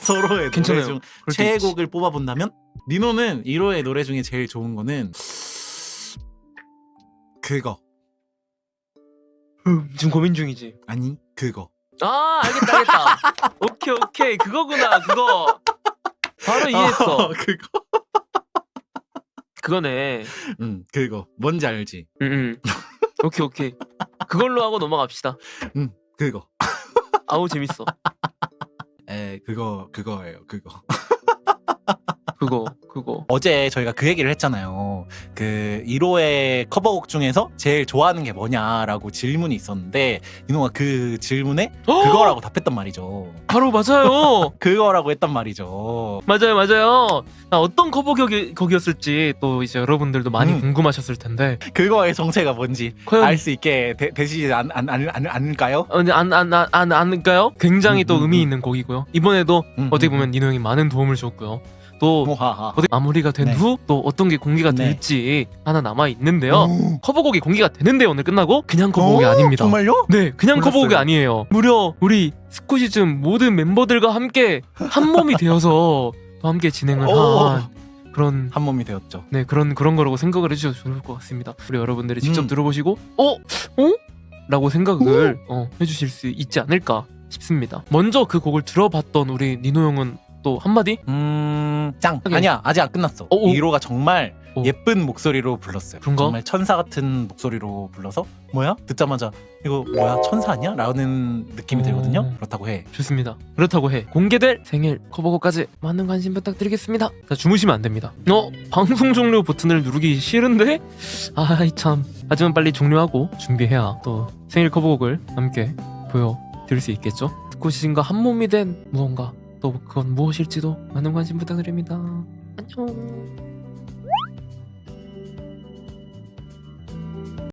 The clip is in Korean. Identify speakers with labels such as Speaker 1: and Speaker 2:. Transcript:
Speaker 1: 서로의 노래
Speaker 2: 괜찮아요.
Speaker 1: 중
Speaker 2: 그럴 때 있지.
Speaker 1: 최애곡을 뽑아본다면 니노는 1호의 노래 중에 제일 좋은 거는 그거.
Speaker 2: 지금 고민 중이지.
Speaker 1: 아니 그거.
Speaker 2: 아, 알겠다. 오케이 그거구나. 그거 바로 이해했어.
Speaker 1: 그거.
Speaker 2: 그거네.
Speaker 1: 그거. 뭔지 알지?
Speaker 2: 오케이 그걸로 하고 넘어갑시다.
Speaker 1: 그거.
Speaker 2: 아우 재밌어.
Speaker 1: 그거예요. 그거.
Speaker 2: 그거.
Speaker 1: 어제 저희가 그 얘기를 했잖아요. 그 1호의 커버곡 중에서 제일 좋아하는 게 뭐냐라고 질문이 있었는데 니노가 그 질문에 그거라고 답했단 말이죠.
Speaker 2: 바로 맞아요.
Speaker 1: 그거라고 했단 말이죠.
Speaker 2: 맞아요. 어떤 커버곡이었을지 또 이제 여러분들도 많이 궁금하셨을 텐데
Speaker 1: 그거의 정체가 뭔지
Speaker 2: 과연
Speaker 1: 알 수 있게 되시지 않을까요?
Speaker 2: 근데 안까요? 굉장히 또 의미 있는 곡이고요. 이번에도 어떻게 보면 니노 형이 많은 도움을 줬고요. 또 어떻게 마무리가 된
Speaker 1: 네.
Speaker 2: 후 또 어떤 게 공개가
Speaker 1: 네.
Speaker 2: 될지 하나 남아 있는데요. 커버곡이 공개가 되는데 오늘 끝나고 그냥 커버곡이 아닙니다.
Speaker 1: 정말요?
Speaker 2: 네, 그냥
Speaker 1: 몰랐어요.
Speaker 2: 커버곡이 아니에요. 무려 우리 스쿠시즘 모든 멤버들과 함께 한 몸이 되어서 또 함께 진행을 한 그런
Speaker 1: 한 몸이 되었죠.
Speaker 2: 네 그런 거라고 생각을 해주셔도 좋을 것 같습니다. 우리 여러분들이 직접 들어보시고 라고 생각을 해주실 수 있지 않을까 싶습니다. 먼저 그 곡을 들어봤던 우리 니노 형은 또 한마디?
Speaker 1: 짱! 아니야 아직 안 끝났어. 1호가 정말 예쁜 목소리로 불렀어요.
Speaker 2: 그런가?
Speaker 1: 정말 천사 같은 목소리로 불러서 뭐야? 듣자마자 이거 뭐야 천사 아니야? 라는 느낌이 들거든요. 그렇다고 해.
Speaker 2: 좋습니다. 그렇다고 해. 공개될 생일 커버곡까지 많은 관심 부탁드리겠습니다. 자, 주무시면 안 됩니다. 방송 종료 버튼을 누르기 싫은데? 아이 참. 하지만 빨리 종료하고 준비해야 또 생일 커버곡을 함께 보여드릴 수 있겠죠? 스쿠시즘과 한 몸이 된 무언가 또 그건 무엇일지도 많은 관심 부탁드립니다. 안녕.